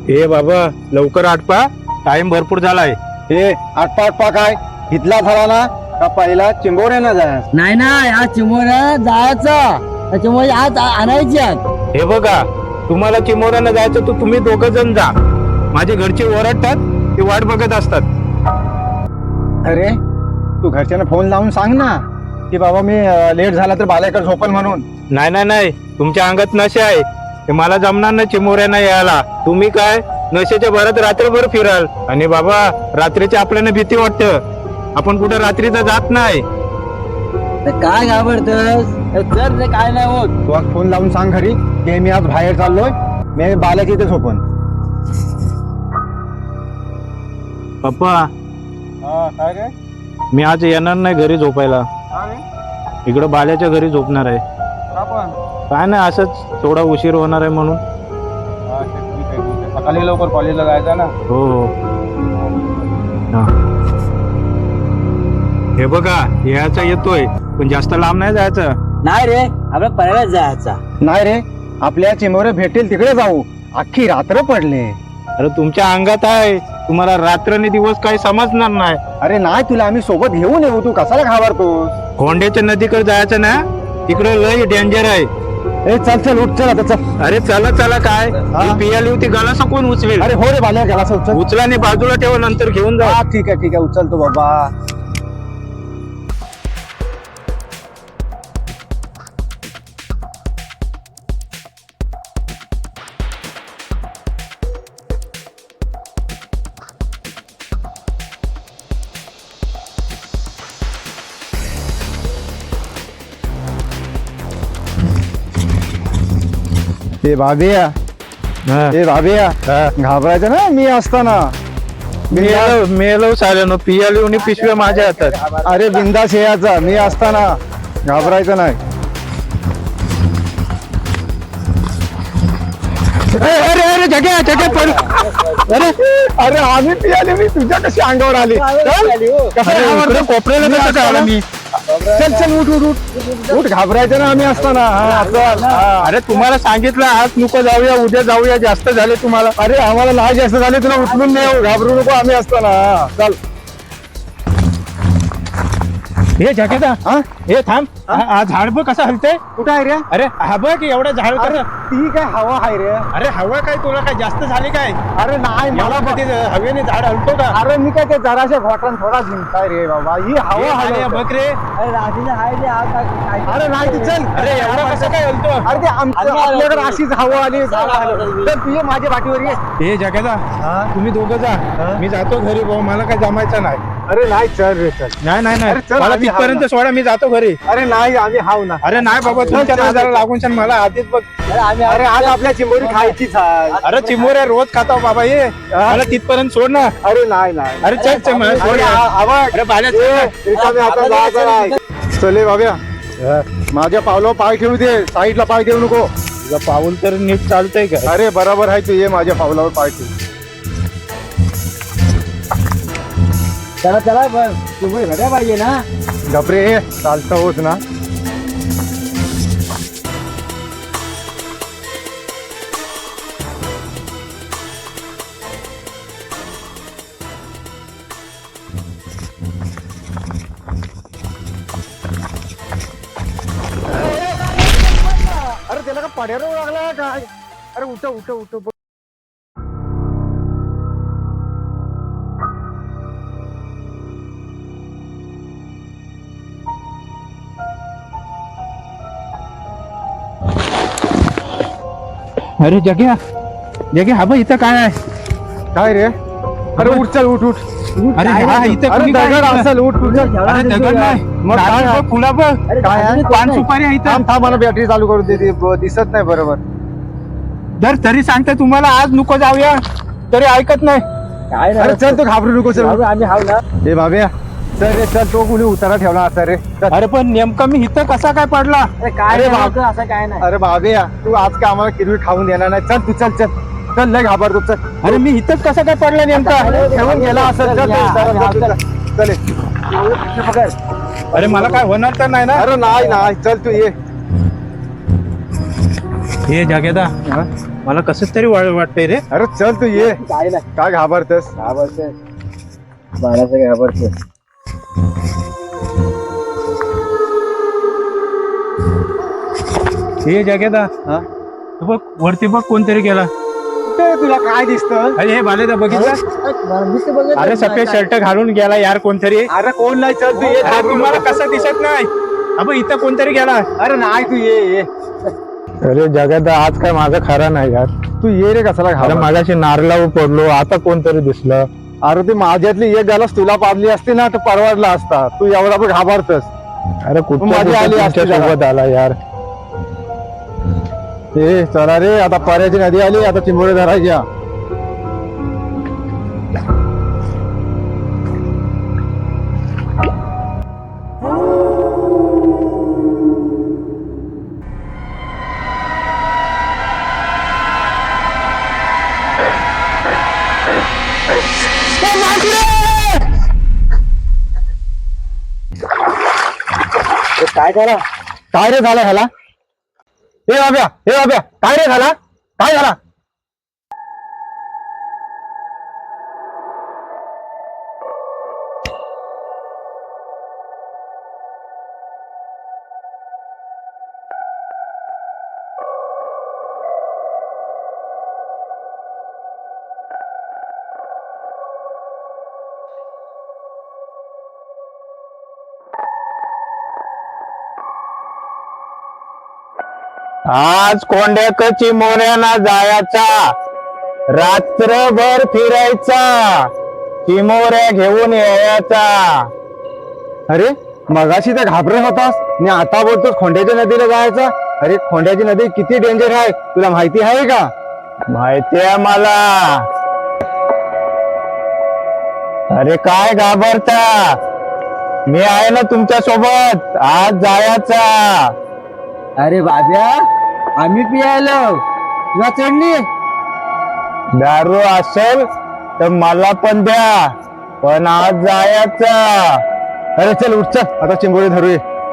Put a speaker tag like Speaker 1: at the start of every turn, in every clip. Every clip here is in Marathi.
Speaker 1: हे बाबा लवकर आटपा, टाइम भरपूर झालाय.
Speaker 2: हे आटपा आटपा काय इथला झाला ना का पहिला चिंबोऱ्यानं जाय.
Speaker 3: नाही ना या चिमोऱ्या जायचं त्याच्यामुळे आज आणायची आज.
Speaker 1: हे बघा, तुम्हाला चिमोऱ्यानं जायचं तर तुम्ही दोघं जण जा. माझे घरचे ओरडतात, ते वाट बघत असतात.
Speaker 2: अरे तू घरच्यांना फोन लावून सांग ना की बाबा मी लेट झाला तर बाल्याकडे झोपल म्हणून.
Speaker 1: नाही नाही नाही, तुमच्या अंगात नशे आहे, ते मला जमणार नाही चिमोऱ्यानं यायला. तुम्ही काय नशेच्या भरात रात्रभर फिराल. आणि बाबा रात्रीची आपल्याला भीती वाटतं, आपण कुठे रात्रीचा जात नाही.
Speaker 3: तर काय घाबरतस, चल रे काय नाही होत.
Speaker 2: तू आज फोन लावून सांग घरी की मी आज बाहेर चाललोय, मी बाल्याच्या इथे झोपन.
Speaker 1: पप्पा
Speaker 2: काय रे
Speaker 1: मी आज येणार नाही घरी झोपायला, इकडं बाल्याच्या घरी झोपणार आहे. काय नाही, असंच थोडा उशीर होणार आहे म्हणून.
Speaker 2: सकाळी लवकर कॉलेजला जायचं ना.
Speaker 1: हो हो हा. हे बघा यायचा येतोय, पण जास्त लांब नाही जायचं.
Speaker 3: नाही रे आपल्या पर्याय जायचा.
Speaker 2: नाही रे आपल्या चिंबोरे भेटेल तिकडे जाऊ, अख्खी रात्र पडले.
Speaker 1: अरे तुमच्या अंगात आहे, तुम्हाला रात्र आणि दिवस काही समजणार नाही.
Speaker 2: अरे नाही तुला आम्ही सोबत घेऊन येऊ, तू कशाला घाबरतोस.
Speaker 1: खोंड्याच्या नदीकडे जायचं ना, तिकडे लय डेंजर आहे.
Speaker 2: ए चल चल उठ चल आता चल.
Speaker 1: अरे चला चला काय पियाली होती, गाला कोण उचवेल.
Speaker 2: अरे हो रे बाल्या गेला उचल.
Speaker 1: उचला आणि बाजूला ठेवा, नंतर घेऊन जा.
Speaker 2: ठीक आहे उचलतो बाबा. हे भाभिया हे भाभिया घाबरायचं ना मी असताना.
Speaker 1: मेलो साल्यानो, पियाली आणि पिशव्या माझ्या हातात.
Speaker 2: अरे बिंदास यायचा मी असताना, घाबरायचं नाही.
Speaker 1: अरे अरे जग्या जग्या पड.
Speaker 2: अरे अरे आम्ही पियाली, मी तुझ्या कशी अंगावर आली.
Speaker 1: कोपऱ्याला कसं कळलं मी.
Speaker 2: चल चल उठ उठ उठ उठ, घाबरायचं ना आम्ही असताना.
Speaker 1: अरे तुम्हाला सांगितलं आज नको जाऊया, उद्या जाऊया, जास्त झाले तुम्हाला.
Speaker 2: अरे आम्हाला लहान जास्त झाले, तुला उचलून नाही, घाबरू नको आम्ही असताना. चल
Speaker 1: हे जॅकेटा हे थांब, झाड बघ कसं हलतंय.
Speaker 2: कुठं आहे रे.
Speaker 1: अरे हा बघ एवढं झाड कसं.
Speaker 2: ती काय हवा आहे रे.
Speaker 1: अरे हवा काय, तुला काय जास्त झाली काय.
Speaker 2: अरे नाही
Speaker 1: मला
Speaker 2: मला
Speaker 1: कधी हवेने झाड हलतो का.
Speaker 2: अरे मी काय ते जराशा घोटान थोडा जिंकताय रे बाबा, ही हवा
Speaker 1: अरे
Speaker 2: हवा.
Speaker 1: बघ रे.
Speaker 3: अरे रात्रीचं आहे रे, आज काय.
Speaker 2: अरे नाही ती चल.
Speaker 1: अरे एवढं कसं काय हलतो.
Speaker 2: अरे ते आपल्याकडे अशीच हवा आली. तर तू ये माझ्या पाठीवर ये.
Speaker 1: हे जॅकेटा तुम्ही दोघं जा, मी जातो घरी भाऊ, मला काय जमायचं नाही.
Speaker 2: अरे नाही चल रे चल.
Speaker 1: नाही नाही
Speaker 2: अरे
Speaker 1: नाही,
Speaker 2: चल,
Speaker 1: मला
Speaker 2: आम्ही
Speaker 1: तिथपर्यंत सोडा, मी जातो घरी.
Speaker 2: अरे नाही आम्ही हाव ना.
Speaker 1: अरे नाही बाबा, तुमच्या
Speaker 2: चल, चल,
Speaker 1: नादाला
Speaker 2: चल.
Speaker 1: लागून छान मला आधीच बघ.
Speaker 2: अरे आज आपल्या चिंबोरी खायचीच आहे.
Speaker 1: अरे चिमोऱ्या रोज खाता हो बाबा, ये मला तिथपर्यंत सोड ना.
Speaker 2: अरे नाही नाही.
Speaker 1: अरे चल चल मला सोड
Speaker 2: अरे
Speaker 1: यार.
Speaker 2: आवाज.
Speaker 1: अरे बाल्या चल ना.
Speaker 2: रिकामी हातात जायचं नाही. चले बाब्या, माझ्या पावलावर पाय ठेवू दे, साईडला पाय ठेवू नको.
Speaker 1: तुझं पाऊल तर नीट चालतंय का.
Speaker 2: अरे बरोबर आहे, तू ये माझ्या पावलावर पाय ठेवू.
Speaker 3: चला चला पण तुम्ही घड्या पाहिजे ना.
Speaker 2: घबरे चालतं होत ना. अरे त्याला का पड्यावर लागला काय. अरे उठ उठ उठ.
Speaker 1: अरे जग्या जग्या, हा बघ इथं काय आहे.
Speaker 2: काय रे. अरे उठ चल उठ उठ.
Speaker 1: अरे हा इथं
Speaker 2: अरे
Speaker 1: कुणी काय
Speaker 2: दगड
Speaker 1: केलं?
Speaker 2: असेल, उठ उठ चल.
Speaker 1: अरे दगड नाही,
Speaker 2: मग काय आहे?
Speaker 1: फुला बघ.
Speaker 2: काय आहे?
Speaker 1: पान सुपारी आहे इथं.
Speaker 2: थांब थांब, मला बॅटरी चालू करून दे, दिसत नाही बरोबर.
Speaker 1: जर तरी सांगते तुम्हाला आज नको जाऊया, तरी ऐकत नाही.
Speaker 3: काय
Speaker 2: अरे चल तू घाबरू नको. चल
Speaker 3: आम्ही हाव ना.
Speaker 2: हे बाब्या चल रे चल, तो कुणी उतारा ठेवला असा रे. चल.
Speaker 1: अरे पण नेमकं मी इथं कसा काय पडला.
Speaker 3: अरे काय
Speaker 2: अरे
Speaker 3: रे
Speaker 2: बाप.
Speaker 3: होतं, असं काय नाही.
Speaker 2: अरे बाब्या तू आज का आम्हाला किरवी खाऊन देणार नाही. चल तू चल चल चल, लय घाबरतो. चल
Speaker 1: अरे मी इथंच कसा काय पडला नेमका.
Speaker 2: ठेवून गेला असं. चल चल.
Speaker 1: अरे मला काय होणार तर नाही ना.
Speaker 2: अरे नाही नाही, चल तू ये.
Speaker 1: हे जागेदा मला कसं तरी वाटतंय रे.
Speaker 2: अरे चल तू ये.
Speaker 3: काय नाही
Speaker 2: काय घाबरतेस?
Speaker 3: घाबरते बाळाचं घाबरते.
Speaker 1: हे जगेदा
Speaker 2: हा?
Speaker 1: तू बघ वरती बघ कोणतरी गेला.
Speaker 2: कुठे तुला काय दिसतं?
Speaker 1: अरे हे बालेदा बघितलं
Speaker 3: दिसतं बघत
Speaker 1: अरे सफेद शर्ट घालून गेला यार कोणतरी.
Speaker 2: अरे कोण नाही, चल तू ये.
Speaker 1: अरे तुम्हाला कसं दिसत नाही. अबे इथं कोणतरी गेला.
Speaker 2: अरे नाही तू ये.
Speaker 1: अरे जगेदा आज काय माझं खरं नाही यार.
Speaker 2: तू ये रे. कसाला
Speaker 1: अरे
Speaker 2: घाबर?
Speaker 1: मागाशी नारला पडलो आता कोणतरी दिसलं.
Speaker 2: अरे ती माझ्यातली एक गालास तुला पाडली असती ना तर परवडला असता. तू एवढा पण घाबरतस.
Speaker 1: अरे कुठं
Speaker 2: मजा आली असती
Speaker 1: तुमच्या सोबत आला यार.
Speaker 2: ए चला रे, आता पर्याची नदी आली, आता चिंबोरे धरायच्या.
Speaker 3: काय करा
Speaker 2: काय रे झाला ह्याला? हे बाब्या काय रे झाला? काय झाला?
Speaker 1: आज कोंड्याक चिमोऱ्याना जायचा, रात्रभर फिरायचा, चिमोऱ्या घेऊन यायचा.
Speaker 2: अरे मगाशी तर घाबरत होतास आणि आता बोलतोस खोंड्याच्या नदीला जायचं. अरे खोंड्याची नदी किती डेंजर आहे तुला माहिती आहे का?
Speaker 1: माहितीये मला. अरे काय घाबरता, मी आहे ना तुमच्या सोबत. आज जायचा.
Speaker 3: अरे बाब्या आम्ही पियालो तुला चढली.
Speaker 1: दारू असेल तर मला पण द्या, पण आज जायचा.
Speaker 2: अरे चल उठ, चल आता चिंबोरी धरूये.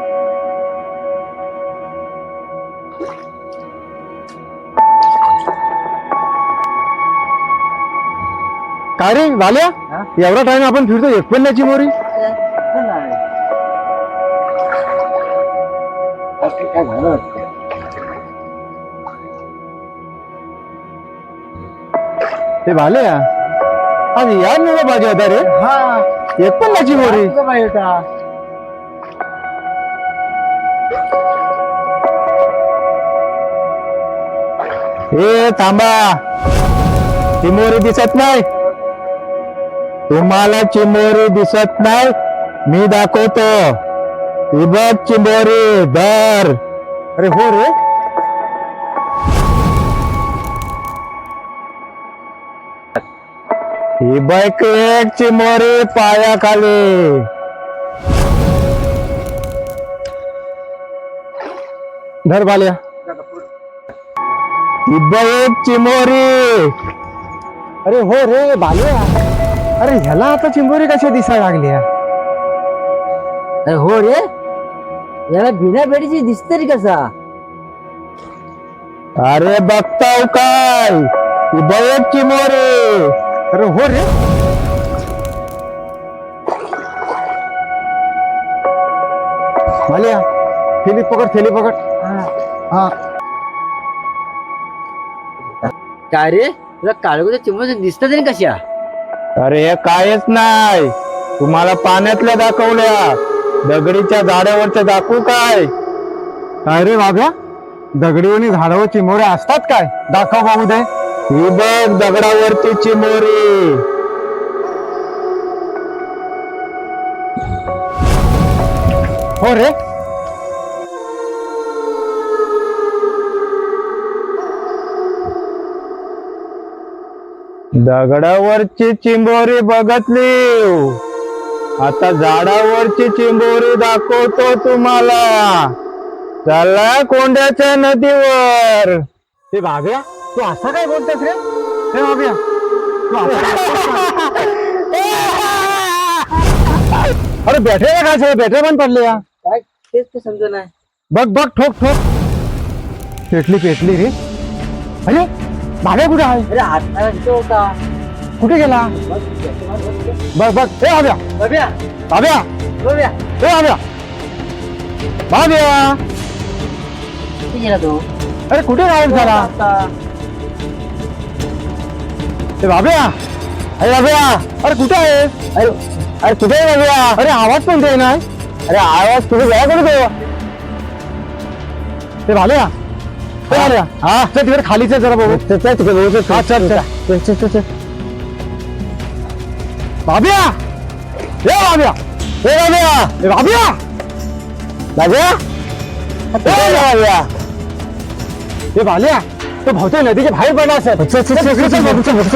Speaker 2: काय रे वाल्या, एवढा टाइम आपण फिरतो एक पण नाही चिंबोरी.
Speaker 3: काय झालं?
Speaker 2: ते भाल्या आज यार नाही पाहिजे होता रे.
Speaker 3: हा
Speaker 2: एक पण नाही चिंबोरी.
Speaker 3: तुझं बाई होता.
Speaker 1: ए थांबा, चिमोरी दिसत नाही तुम्हाला? चिमोरी दिसत नाही? मी दाखवतो. ही बघ चिमोरी, धर.
Speaker 2: अरे हो रे,
Speaker 1: ही बघ एक चिमोरी पायाखाली.
Speaker 2: धर बाल्या.
Speaker 1: ही बघ एक चिमोरी.
Speaker 2: अरे हो रे बाल्या. अरे ह्याला आता चिंबोरी कशा दिसायला लागल्या?
Speaker 3: अरे हो रे, याला बिना बेडीची दिसते रे कसा?
Speaker 1: अरे बघताव काय, ही बघ एक चिमोरी.
Speaker 2: अरे हो रे, बाल्या थैली पकड, थैली पकड. हा
Speaker 3: काय रे तुला काळगोच्या चिमोच्या दिसतात रे कशा?
Speaker 1: अरे हे कायच नाही, तुम्हाला पाण्यातल्या दाखवल्या, दगडीच्या झाडावरच्या दाखवू काय?
Speaker 2: काय रे बाब्या, दगडीवणी झाडावर चिमोऱ्या असतात काय? दाखव बाबू दे.
Speaker 1: ही बघ दगडावरती चिमोरी.
Speaker 2: हो रे,
Speaker 1: दगडावरची चिंबोरी बघतली, आता झाडावरची चिंबोरी दाखवतो तुम्हाला. चला कोंड्याच्या नदीवर.
Speaker 2: ते बाब्या तू असा काय बोलतोस रे? हे बाब्या तू असं काय बोलतोस? अरे बॅटऱ्या काय झालं? बॅटऱ्या पण पडल्या.
Speaker 3: काय तेच ते समजा नाही.
Speaker 2: बघ बघ, ठोक ठोक. पेटली पेटली रे. अरे भाड्या कुठे आहे?
Speaker 3: अरे आता तिथे होता.
Speaker 2: कुठे गेला? बघ बघ, ए आव्या
Speaker 3: बघूया
Speaker 2: आव्या
Speaker 3: बघूया
Speaker 2: ए आव्या भाव्या,
Speaker 3: किती गेला तो
Speaker 2: अरे कुठे गायब झाला?
Speaker 3: आता
Speaker 2: ए भाव्या, अरे भाव्या, अरे कुठे आहे? अरे अरे कुठे आहे भाव्या? अरे आवाज पण दे ना. अरे आवाज तुझे गळा कुठे तो? ते भाल्या, ते भाल्या, हा चल तिकडे खालीच आहे जरा बघू. हा चल चल भाव्या, ए भाव्या, ए भाव्या, ए भाव्या, भाव्या, ए भाव्या, ए भाल्या, तो भावते नदीच्या बाहेर पडला असेल.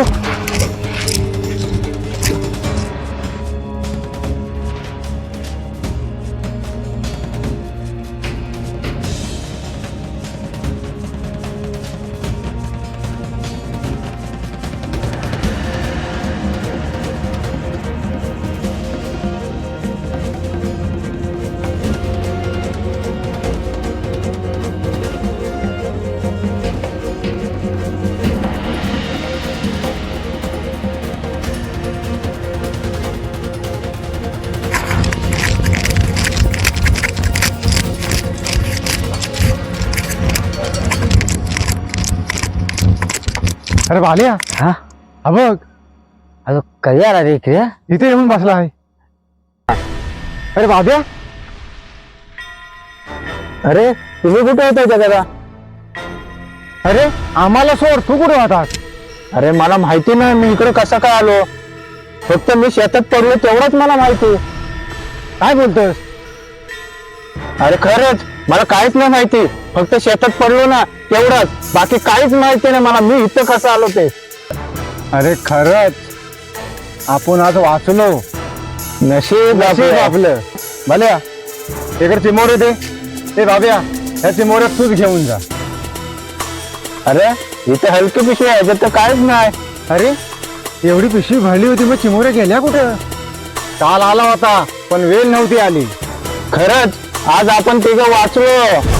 Speaker 2: अरे भाल्या,
Speaker 3: हा
Speaker 2: हा बघ
Speaker 3: अगं कधी आला रे इकडे
Speaker 2: इथे येऊन बसला आहे. अरे भाभ्या, अरे तुम्ही कुठे होता दादा? अरे आम्हाला सोड, तू कुठे होतास? अरे मला माहिती नाही मी इकडे कसं काय आलो. फक्त मी शेतात पडलो तेवढंच मला माहिती. काय बोलतोस? अरे खरंच मला काहीच नाही माहिती. फक्त शेतात पडलो ना तेवढंच, बाकी काहीच माहिती नाही मला मी इथं कसं आलो ते. अरे खरंच आपण आज वाचलो. नशीब आपलं. भल्या इकडे चिमोरे दे. ए बाब्या, ह्या चिमोऱ्यात तूच घेऊन जा. अरे इथे हलकी पिशवी आहे तर काहीच नाही. अरे एवढी पिशवी भरली होती, मग चिमोऱ्या गेल्या कुठं? काल आला होता पण वेळ नव्हती आली. खरंच आज आपण तिघं वाचलो.